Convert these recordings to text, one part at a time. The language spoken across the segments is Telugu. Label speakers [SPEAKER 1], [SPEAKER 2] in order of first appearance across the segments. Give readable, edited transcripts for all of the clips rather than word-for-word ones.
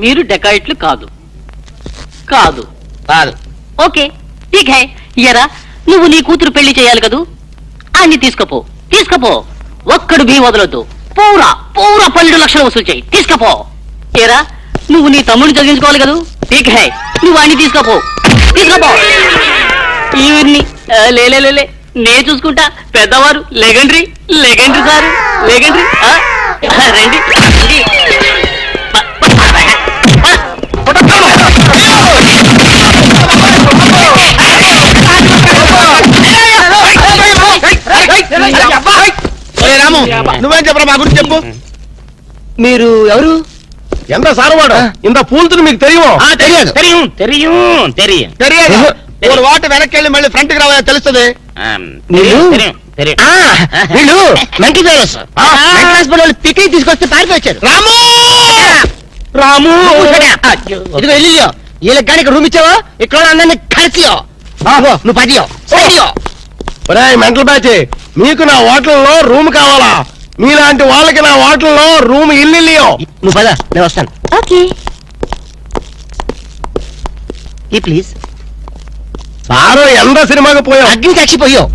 [SPEAKER 1] మీరు డెకాయిట్లు కాదు. కాదు
[SPEAKER 2] కాదు.
[SPEAKER 1] ఓకే ఠీక్ హై. ఎరా నువ్వు నీ కూతురు పెళ్లి చేయాలి కదూ, అన్ని తీసుకపో. ఒక్కడు భీ వదలొద్దు. పూరా 12 లక్షలు వసూలు చేయి. తీసుకపో. ఎరా నువ్వు నీ తమ్ముడిని చదివించుకోవాలి కదూ, ఠీక్ హై, నువ్వు అన్ని తీసుకపో. ఈవిడ్ని లే నే చూసుకుంటా. పెద్దవారు లెగండ్రీ సార్, లెగండ్రీ. రండి.
[SPEAKER 2] రాము, నువ్వేం చెప్పరా మా గురించి చెప్పు.
[SPEAKER 3] మీరు ఎవరు?
[SPEAKER 2] ఎంత సారవాడు ఇంత పూల్తులు మీకు తెలియవు? తెలియదు. ఒక వాటి వెనక్కి వెళ్ళి మళ్ళీ ఫ్రంట్ కి రావాలని తెలుస్తుంది.
[SPEAKER 3] వీళ్ళు మంకీ ఫెలోస్. హాస్పిటల్ పిక్నిక్ తీసుకొస్తే పారిపోయారు. రాము ఇదిగో వెళ్ళియో. వీళ్ళకి కానీ రూమ్ ఇచ్చావో ఇక్కడ అందరినీ కలిసియో. నువ్వు పదియో సరియో.
[SPEAKER 2] మెంటల్ బ్యాచ్, మీకు నా హోటల్లో రూమ్ కావాలా? మీలాంటి వాళ్ళకి నా హోటల్లో రూమ్ ఇల్లు.
[SPEAKER 3] నువ్వు పద, నేను వస్తాను.
[SPEAKER 4] Okay
[SPEAKER 3] please.
[SPEAKER 2] సారు ఎంత సినిమాకి పోయావు?
[SPEAKER 3] అగ్ని చచ్చిపోయావు.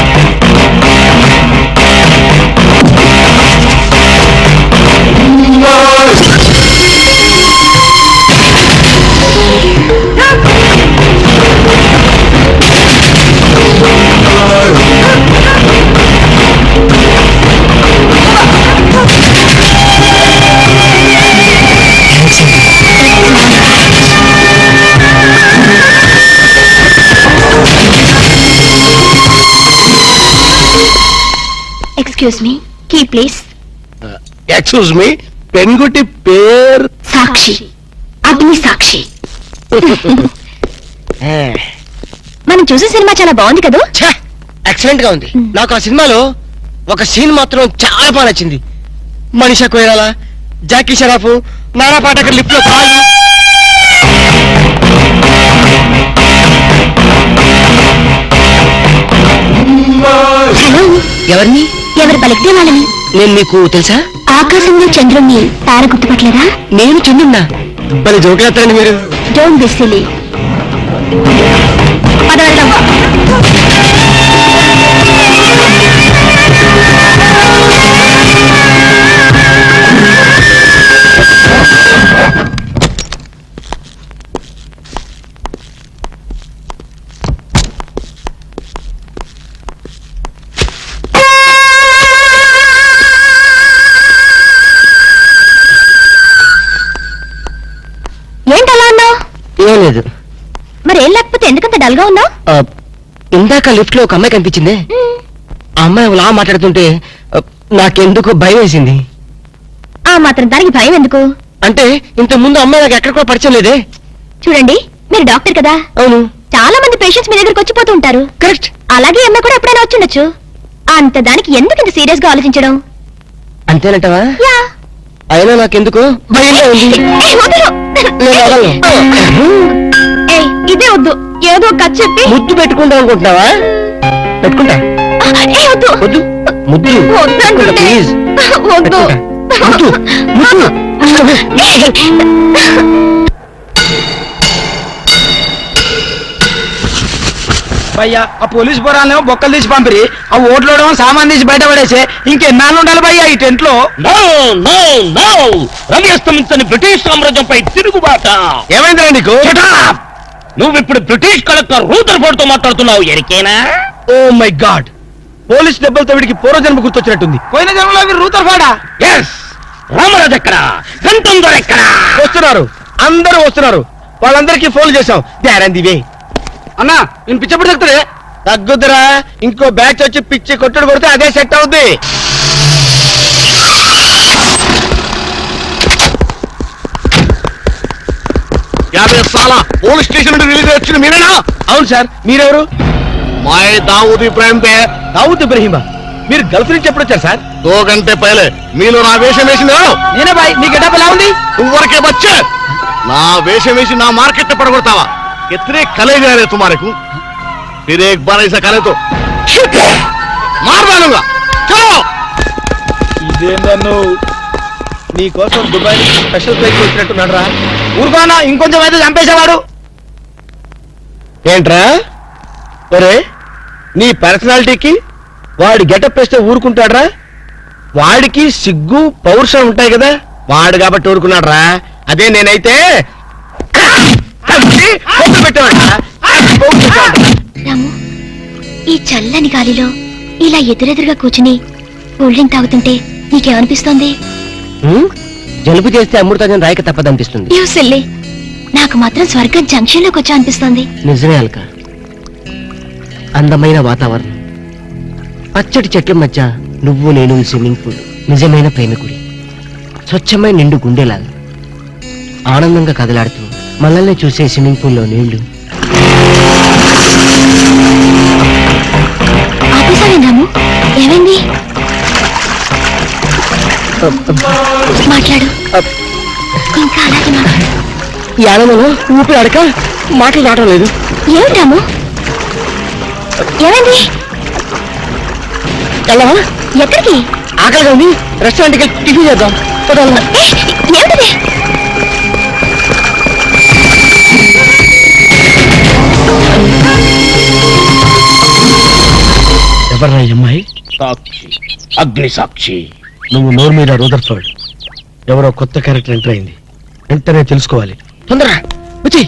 [SPEAKER 4] Excuse me, key please.
[SPEAKER 2] Excuse me, పెన్గుటి పేరు
[SPEAKER 4] సాక్షి, అగ్ని సాక్షి. మనం చూసే సినిమా చాలా బాగుంది కదా?
[SPEAKER 3] ఎక్సలెంట్ గా ఉంది. నాకు ఆ సినిమాలో ఒక సీన్ మాత్రం చాలా బాగా నచ్చింది. మనీషా కొయిరాలా, జాకీ షరాఫ్, నానా పాటకర్ లిఫ్ట్ లో కాలు.
[SPEAKER 4] హలో,
[SPEAKER 3] ఎవరిని?
[SPEAKER 4] ఎవరు పలికితే వాళ్ళని.
[SPEAKER 3] నేను మీకు తెలుసా?
[SPEAKER 4] ఆకాశంలో చంద్రుణ్ణి తార గుర్తుపట్టలేదా?
[SPEAKER 3] నేను చంద్రున్నా. మరి జోకులేస్తారండి మీరు.
[SPEAKER 4] Don't be silly. ఏంటలా అన్నావు?
[SPEAKER 3] ఏం లేదు.
[SPEAKER 4] మరి ఏం లేకపోతే ఎందుకంత డల్ గా ఉన్నావు?
[SPEAKER 3] ఇందాక లిఫ్ట్ లో ఒక అమ్మాయి కనిపించింది. ఆ అమ్మాయి అలా మాట్లాడుతుంటే నాకెందుకు భయం వేసింది.
[SPEAKER 4] ఆ మాత్రం దానికి భయం ఎందుకు?
[SPEAKER 3] అంటే ఇంత ముందు అమ్మాయి నాకు ఎక్కడ కూడా పరిచయం లేదే.
[SPEAKER 4] చూడండి, మీరు డాక్టర్ కదా.
[SPEAKER 3] అవును.
[SPEAKER 4] చాలా మంది పేషెంట్స్ మీ దగ్గరకు వచ్చిపోతూ ఉంటారు.
[SPEAKER 3] కరెక్ట్.
[SPEAKER 4] అలాగే అమ్మాయి కూడా ఎప్పుడైనా వచ్చిండొచ్చు. అంత దానికి ఎందుకు ఇంత సీరియస్ గా ఆలోచించడం?
[SPEAKER 3] అంతేనంటవా?
[SPEAKER 4] యా.
[SPEAKER 3] అయినా నాకెందుకు భయంగా ఉంది.
[SPEAKER 4] ఇదే వద్దు, ఏదో కథ చెప్పి
[SPEAKER 3] ముద్దు పెట్టుకుంటా అనుకుంటున్నావా? పెట్టుకుంటా.
[SPEAKER 4] వద్దు
[SPEAKER 3] వద్దు, ముద్దు
[SPEAKER 4] వద్దు
[SPEAKER 3] ప్లీజ్.
[SPEAKER 4] వద్దు
[SPEAKER 3] ముద్దు ముద్దు.
[SPEAKER 5] భయ్యా ఆ పోలీస్ పోరాలేమో బొక్కలు తీసి పంపిరి, ఆ ఓట్లోడేమో సామాన్ తీసి బయట పడేసి ఇంకెన్నాళ్ళు ఉండాలి భయ్యా ఈ టెంట్ లో?
[SPEAKER 2] రవి అస్తమించని బ్రిటిష్ సామ్రాజ్యంపై తిరుగుబాట. ఏమైందిరా నీకు?
[SPEAKER 6] నువ్వు ఇప్పుడు బ్రిటిష్ కలెక్టర్ రూదర్ఫోర్డ్ తో మాట్లాడుతున్నావు. ఎరికేనా?
[SPEAKER 2] ఓ మై గాడ్, పోలీస్ దెబ్బలతో వీడికి పూర్వజన్మ గుర్తొచ్చినట్టుంది.
[SPEAKER 5] పోయిన జన్మలో మీరు రూతర్ఫోర్డా?
[SPEAKER 6] ఎస్. రామరాజు ఎక్కడా? గంటందర్ ఎక్కడా?
[SPEAKER 2] వస్తున్నారు, అందరూ వస్తున్నారు. వాళ్ళందరికీ ఫోన్ చేశాం. వే
[SPEAKER 5] అన్నా నేను పిచ్చప్పుడు చెప్తారే.
[SPEAKER 2] తగ్గుద్దురా, ఇంకో బ్యాచ్ వచ్చి పిచ్చి కొట్టుడు కొడితే అదే సెట్ అవుద్ది. పోలీస్ స్టేషన్ నుండి రిలీజ్ వచ్చిన మీరేనా? అవును సార్. మీరెవరు? మాయ్ దావుద్ ఇబ్రాహిం దే. దావుద్ ఇబ్రాహిమా? మీరు గల్ఫ్ నుంచి ఎప్పుడు వచ్చారు సార్? 2 గంటే పైలే. మీరు నా వేషం వేసింది
[SPEAKER 5] నేనే బాయ్. మీ గెటప్ ఎలా ఉంది?
[SPEAKER 2] నువ్వరకే బచ్చే. నా వేషం వేసి నా మార్కెట్ పడగొడతావా? कितने कले जा रहे तुम्हारे को? फिर एक बार ऐसा करे तो मार डालूंगा. चलो.
[SPEAKER 5] ఇదేందన్ను
[SPEAKER 2] నీ కోసం దుబాయ్ నుంచి స్పెషల్ ఫ్లైట్ వచ్చినట్టున్నాడు రా.
[SPEAKER 5] ఊరుకోనా ఇంకొంచెం అయితే చంపేసేవాడు.
[SPEAKER 2] ఏంట్రా ఒరే, నీ పర్సనాలిటీకి వాడు గెటప్ వేస్తే ఊరుకుంటాడ్రా? వాడికి సిగ్గు పౌరుషం ఉంటాయి కదా, వాడు కాబట్టి ఊరుకున్నాడు రా. అదే నేనైతే పెట్టేవాడు.
[SPEAKER 4] రాము, ఈ చల్లని గాలిలో ఇలా ఎదురెదురుగా కూర్చుని కూల్ డ్రింక్ తాగుతుంటే నీకేమనిపిస్తోంది?
[SPEAKER 3] జలుబు చేస్తే అమృతాజన్ రాయక తప్పదనిపిస్తుంది.
[SPEAKER 4] యూ సిల్లీ, నాకు మాత్రం స్వర్గం జంక్షన్ లోకి వచ్చా అనిపిస్తోంది.
[SPEAKER 3] నిజమే అల్క, అందమైన వాతావరణం, పచ్చటి చెట్ల మధ్య నువ్వు నేను ఈ స్విమ్మింగ్ పూల్, నిజమైన ప్రేమికుడి, స్వచ్ఛమైన నిండు గుండెలాగా ఆనందంగా కదలాడుతూ మనల్ని చూసే స్విమ్మింగ్ పూల్లో నీళ్లు.
[SPEAKER 4] ఆపేసావేం రాము? ఏమైంది? మాట్లాడు, ఇంకా అలాగే మాట్లాడు.
[SPEAKER 3] ఈ ఆనందంలో ఊపిరి అడక మాటలు రావడం లేదు.
[SPEAKER 4] ఏమిటి రాము, ఏమైంది?
[SPEAKER 3] వెళ్ళవా?
[SPEAKER 4] ఎక్కడికి?
[SPEAKER 3] ఆకలిగా ఉంది, రెస్టారెంట్కి టిఫిన్ చేద్దాం.
[SPEAKER 4] ఏ, ఏమిటిది?
[SPEAKER 2] ఎవర్రా ఈ అమ్మాయి?
[SPEAKER 6] సాక్షి, అగ్ని సాక్షి.
[SPEAKER 2] నువ్వు నోరు మీద రూదర్ఫర్డ్. ఎవరో కొత్త క్యారెక్టర్ ఎంటర్ అయింది, వెంటనే తెలుసుకోవాలి.
[SPEAKER 3] తొందరగా వచ్చి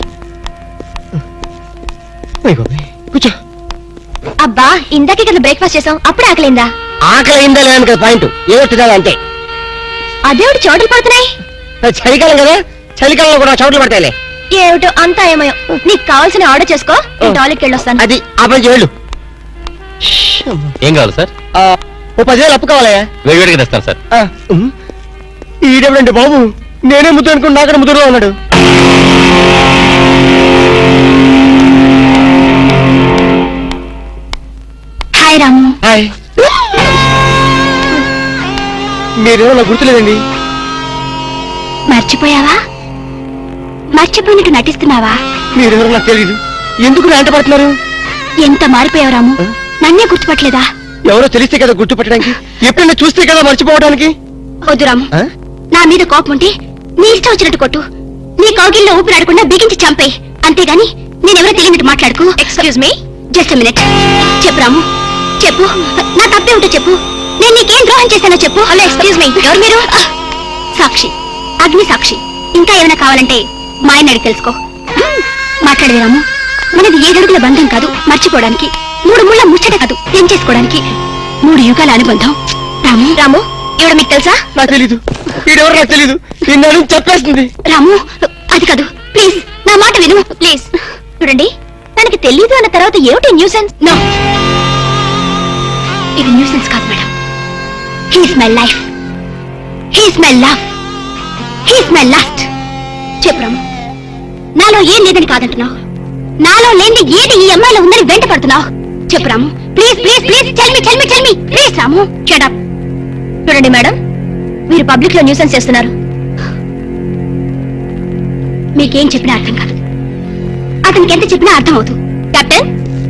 [SPEAKER 3] కూర్చో.
[SPEAKER 4] అబ్బా, ఇందాకే కదా బ్రేక్ఫాస్ట్ చేసాం, అప్పుడే ఆకలిందా?
[SPEAKER 3] ఆకలి అయిందా లేదని కదా పాయింట్, ఏదో తినాలి అంతే.
[SPEAKER 4] అదేమిటి చోటులు పడుతున్నాయి?
[SPEAKER 3] చలికాలం కదా, చలికాలంలో కూడా చోట్లు పడతాయిలే.
[SPEAKER 4] ఏమిటో అంతా ఏమయో. నీకు కావాల్సిన ఆర్డర్ చేసుకో, నేను టాయిలెట్కి వెళ్ళొస్తాను.
[SPEAKER 3] అది ఆ పని చేయళ్ళు.
[SPEAKER 6] ఏం కావాలి సార్?
[SPEAKER 3] ఓ 10,000 అప్పు కావాలయ్యా.
[SPEAKER 6] వేడివేడిగా తెస్తాను సార్.
[SPEAKER 3] ఈడెవడండి బాబు, నేనే ముద్దు అనుకుని నాకడ ముద్దులో ఉన్నాడు.
[SPEAKER 4] హాయ్ రాము.
[SPEAKER 3] హాయ్. మీరేమో నాకు గుర్తులేదండి.
[SPEAKER 4] మర్చిపోయావా? మర్చిపోయినట్టు నటిస్తున్నావా?
[SPEAKER 3] మీరెవరో నాకు తెలియదు, ఎందుకు నా వెంట పడుతున్నారు?
[SPEAKER 4] ఎంత మారిపోయావు రాము, నన్నే గుర్తుపట్టలేదా?
[SPEAKER 3] ఎవరో తెలిస్తే కదా గుర్తుపట్టడానికి, ఎప్పుడైనా చూస్తే కదా మర్చిపోవడానికి.
[SPEAKER 4] వద్దు రాము,
[SPEAKER 3] ఆ?
[SPEAKER 4] నా మీద కోపం ఉంటే నీ ఇష్టం వచ్చినట్టు కొట్టు, నీ కౌగిల్లో ఊపిరాడకుండా బిగించి చంపే, అంతేగాని నేనెవరో తెలియనట్టు మాట్లాడుకు. Excuse me, just minute. చెప్పు రాము, చెప్పు, నా తప్పే ఉంటే చెప్పు, నేను నీకేం ద్రోహం చేశానో చెప్పు. హలో, ఎక్స్క్యూజ్ మీ, ఎవరు మీరు? సాక్షి, అగ్ని సాక్షి. ఇంకా ఏమైనా కావాలంటే మా ఆయన అడిగి తెలుసుకో. మాట్లాడేది రాము, మనది 7 అడుగుల బంధం కాదు మర్చిపోవడానికి, 3 ముళ్ళ ముచ్చట కాదు చేసుకోవడానికి, 3 యుగాల అనుబంధం. రాము, రాము, ఇవిడ మీకు తెలుసా?
[SPEAKER 3] నాకు తెలీదు, వీడెవరో నాకు తెలీదు, నిన్న చెప్పేస్తుంది.
[SPEAKER 4] రాము, అది కాదు, ప్లీజ్ నా మాట విను, ప్లీజ్. చూడండి, తనకి తెలీదు అన్న తర్వాత ఏమిటి న్యూసెన్స్? నో, ఇది న్యూసెన్స్ కాదు madam. He's my life, he's my love, he's my last. చెప్పు రాము, నాలో ఏం లేదని కాదంటున్నావు, నాలో లేని ఏది ఈ అమ్మాయిలో ఉందని వెంట పడుతున్నావు. చెప్పు Ramu, please please please, tell me please. Ramu, shut up. చూడండి మేడం, మీరు పబ్లిక్ లో న్యూసెన్స్ చేస్తున్నారు. మీకేం చెప్పినా అర్థం కాదు, అతనికి ఎంత చెప్పినా అర్థం అవుతుంది. Captain,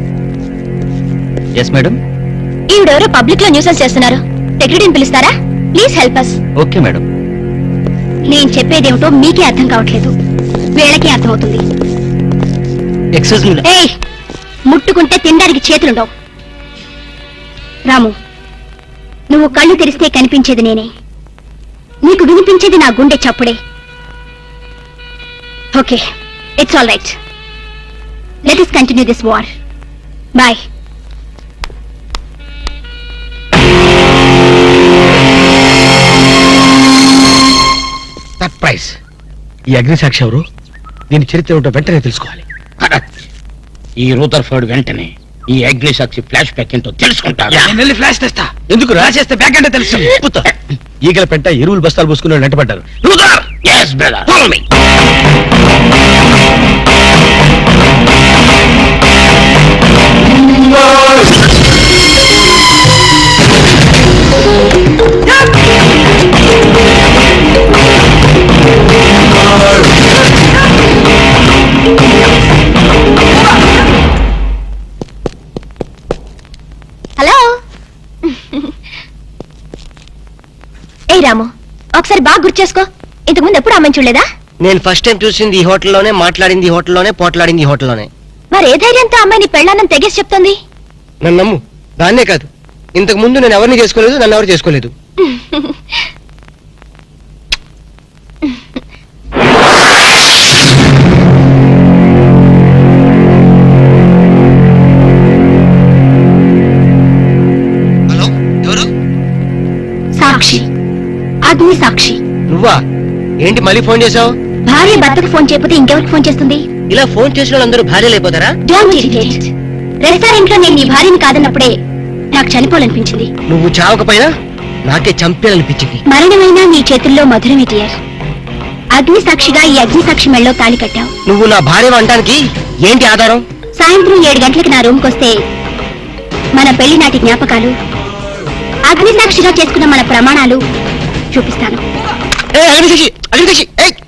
[SPEAKER 6] yes madam.
[SPEAKER 4] ఈవిడెవరో పబ్లిక్ లో న్యూసెన్స్ చేస్తున్నారు, సెక్రటరీని పిలుస్తారా? Please help us.
[SPEAKER 6] Okay madam.
[SPEAKER 4] నేను చెప్పేదేమిటో మీకే అర్థం కావట్లేదు, వీళ్ళకే అర్థమవుతుంది.
[SPEAKER 3] Excuse me.
[SPEAKER 4] ఏయ్, ముట్టుకుంటే తినడానికి చేతులుండవు. రాము, నువ్వు కళ్ళు తెరిస్తే కనిపించేది నేనే, నీకు వినిపించేది నా గుండె చప్పుడే. Okay, it's all right. Let us continue this war. Bye.
[SPEAKER 2] Surprise. ఈ అగ్ని సాక్షి ఎవరు? దీని చరిత్ర ఏమిటో వెంటనే తెలుసుకోవాలి.
[SPEAKER 6] కరెక్ట్. ఈ రూదర్ఫర్డ్ వెంటనే ఈ అగ్ని సాక్షి ఫ్లాష్ బ్యాక్ ఏంటో తెలుసుకుంటాడు.
[SPEAKER 5] నేను వెళ్ళి ఫ్లాష్ తెస్తా.
[SPEAKER 2] ఎందుకు రా?
[SPEAKER 5] చేస్తే బ్యాక్ అంటే తెలుసు.
[SPEAKER 2] ఈగల పెంట ఎరువులు బస్తాలు పోసుకుని వెంటబడ్డారు.
[SPEAKER 6] రూదర్, yes brother, follow me.
[SPEAKER 4] Hello. ఏ రాము, ఒకసారి బాగా గుర్తు చేసుకో. ఇంతకు ముందు ఎప్పుడు అమ్మాయిని చూడలేదా?
[SPEAKER 3] నేను ఫస్ట్ టైం చూసింది ఈ హోటల్లోనే, మాట్లాడింది ఈ హోటల్లోనే, పోట్లాడింది ఈ హోటల్లోనే.
[SPEAKER 4] మరి ఏ ధైర్యంతో అమ్మాయిని పెళ్ళానని తెగేసి చెప్తుంది?
[SPEAKER 3] నన్ను నమ్ము. దాన్నే కాదు, ఇంతకు ముందు నేను ఎవరిని చేసుకోలేదు, నన్ను ఎవరు చేసుకోలేదు. హలో, ఎవరు?
[SPEAKER 4] సాక్షి, అగ్ని సాక్షి.
[SPEAKER 3] నువ్వా? ఏంటి మళ్ళీ ఫోన్ చేసావు?
[SPEAKER 4] భార్య భర్తకు ఫోన్ చేయకపోతే ఇంకెవరికి ఫోన్ చేస్తుంది?
[SPEAKER 3] ఇలా ఫోన్ చేసిన వాళ్ళందరూ భార్యలు అయిపోతారా?
[SPEAKER 4] Don't irritate. రెస్టారెంట్ లో నేను నీ భార్యని కాదన్నప్పుడే నాకు చనిపోవాలనిపించింది.
[SPEAKER 3] నువ్వు చావకపోయినా నాకే చంపేయాలనిపించింది.
[SPEAKER 4] మరణమైనా నీ చేతుల్లో మధురమే డియర్. అగ్ని సాక్షిగా ఈ అగ్ని సాక్షి మెళ్ళలో తాళి కట్టావు.
[SPEAKER 3] నువ్వు నా భార్య అనడానికి ఏంటి ఆధారం?
[SPEAKER 4] సాయంత్రం 7 గంటలకు నా రూమ్కి వస్తే మన పెళ్లి నాటి జ్ఞాపకాలు, అగ్ని సాక్షిగా చేసుకున్న మన ప్రమాణాలు చూపిస్తాను.
[SPEAKER 3] ఏ అగ్నిసాక్షి, అగ్నిసాక్షి, ఏయ్!